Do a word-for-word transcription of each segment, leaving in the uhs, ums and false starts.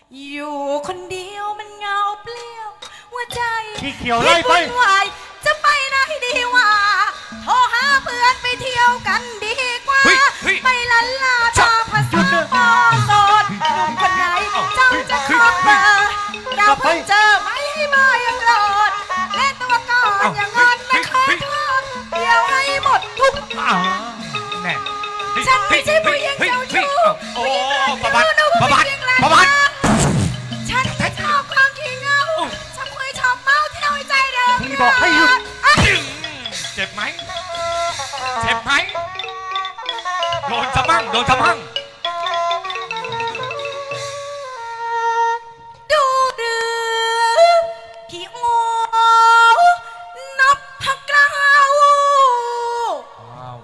อยู่คนเดียวมันเหงาเปลี่ยวหัวใจพี่เขียวไล่ไปคิดวุ่นวายจะไปไหนดีวะโทรหาเพื่อนไปเที่ยวกันดีกว่าเฮ้ยเฮ้ยไปลันลาตาภาษาปอโสดหนุ่มคนไหนเจ้าจะขอเบอร์เราเพิ่งเจอไม่ให้มายังโหลดเล่นตัวก่อนอย่างงอนไม่เคยทนเดียวให้หมดทุกอ้าวแน่ฉันไม่ใช่ผู้หญิงเจ้าชู้โอ้ประบัดประบัดประบัดฉันไม่ชอบความขี้เหงาฉันเคยชอบเมาเที่ยวใจเดิมพี่บอกให้หยุดจึงเจ็บไหมเจ็บไหมโดนสะมั่งโดนสะมั่งดูดื้อพี่โง่นับพักกล้าวว้าว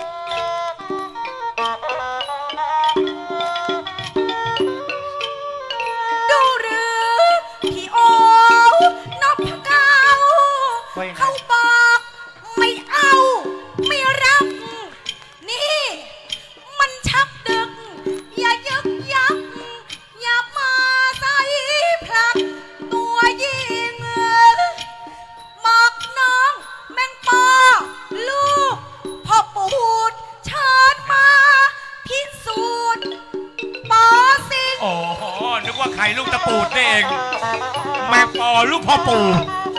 ดูหรือพี่โอ้นับพักกล้าวว่ายังไงเขาบอกไม่เอาไม่รักนี่มันชักดึกอย่ายึกยักอย่ามาใส่พลักตัวยิงบอกน้องแมงปอลูกพ่อปูดเชิญมาพิสูจน์ปอสิงโอ้โหนึกว่าไข่ลูกตะปูดนี่เองแม่ปอลูกพ่อปู่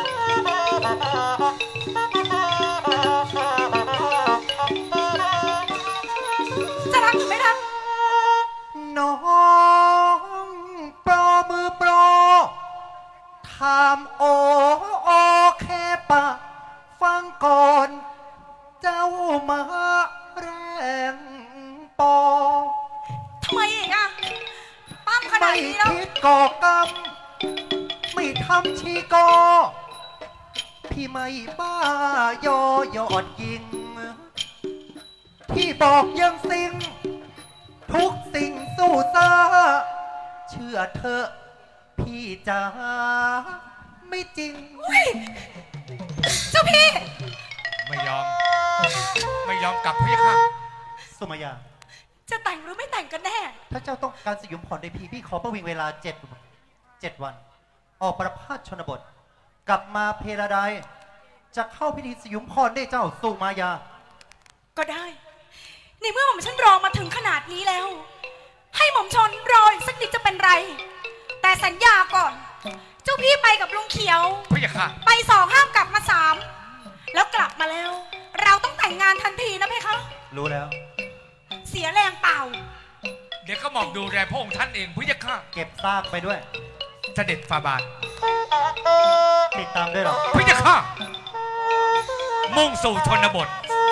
จะรักหรือไม่รักน้องโปรมือโปรทำโอโอเคปะฟังก่อน เจ้ามาแรงปอทำไมอีกอะปั้มขนาไม่ดนี้แล้วคิดก่อกรรม ไม่ทำชีกอ พี่ไม่บ้ายอยอดยิง ที่บอกยังสิ่ง ทุกสิ่งสู้ซาเชื่อเถอะพี่จ๋าไม่จริงอุ๊ยเจ้าพี่ไม่ยอมไม่ยอมกลับพี่ค่ะสุมายาจะแต่งหรือไม่แต่งกันแน่ถ้าเจ้าต้องการสยบผ่อนในพี่พี่ขอประวิงเวลาเจ็ดเจ็ดวัน ออกประพาสชนบท กลับมาเพลาไดจะเข้าพิธีสยุมพรได้เจ้าสุมายาก็ได้ ในเมื่อหม่อมฉันรอมาถึงขนาดนี้แล้ว ให้หม่อมชนรออีกสักนิดจะเป็นไร แต่สัญญาก่อน เจ้าพี่ไปกับลุงเขียวพี่ค่ะไปสองห้ามกลับมาสามแล้วกลับมาแล้ว เราต้องแต่งงานทันทีนะเพคะรู้แล้วเสียแรงเปล่าเดี๋ยวก็หมอบดูแลพระองค์ท่านเองพี่ค่ะเก็บซากไปด้วยเสด็จฟาบาทติดตามด้วยหรอพี่ค่ะมุ่งสู่ชนบท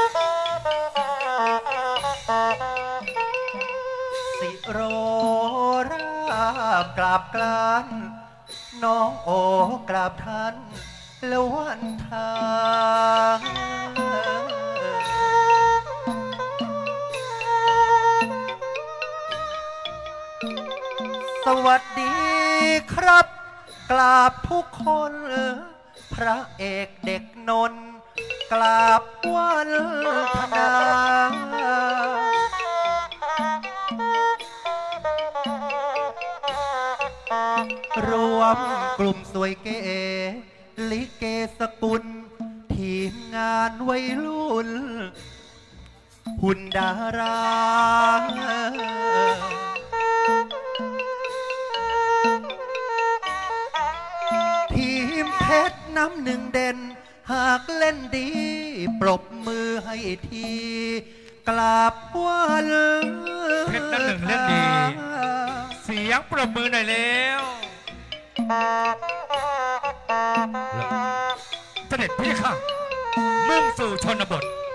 สิโรราบกราบกลาน น้องโอกราบท่านแล้ววันทางสวัสดีครับ กราบทุกคน พระเอกเด็กนนท์กราบวันธนา รวมกลุ่มสวยเก๋ลิเกสกุล ทีมงานวัยรุ่น หุ่นดารา ทีมเพชรน้ำหนึ่งเด่น หากเล่นดี ปรบมือให้ที กราบวันเพชรน้ำหนึ่งเล่นดี เสียงปรบมือหน่อยแล้วเสด็จพี่ค่ะมุ่งสู่ชนบท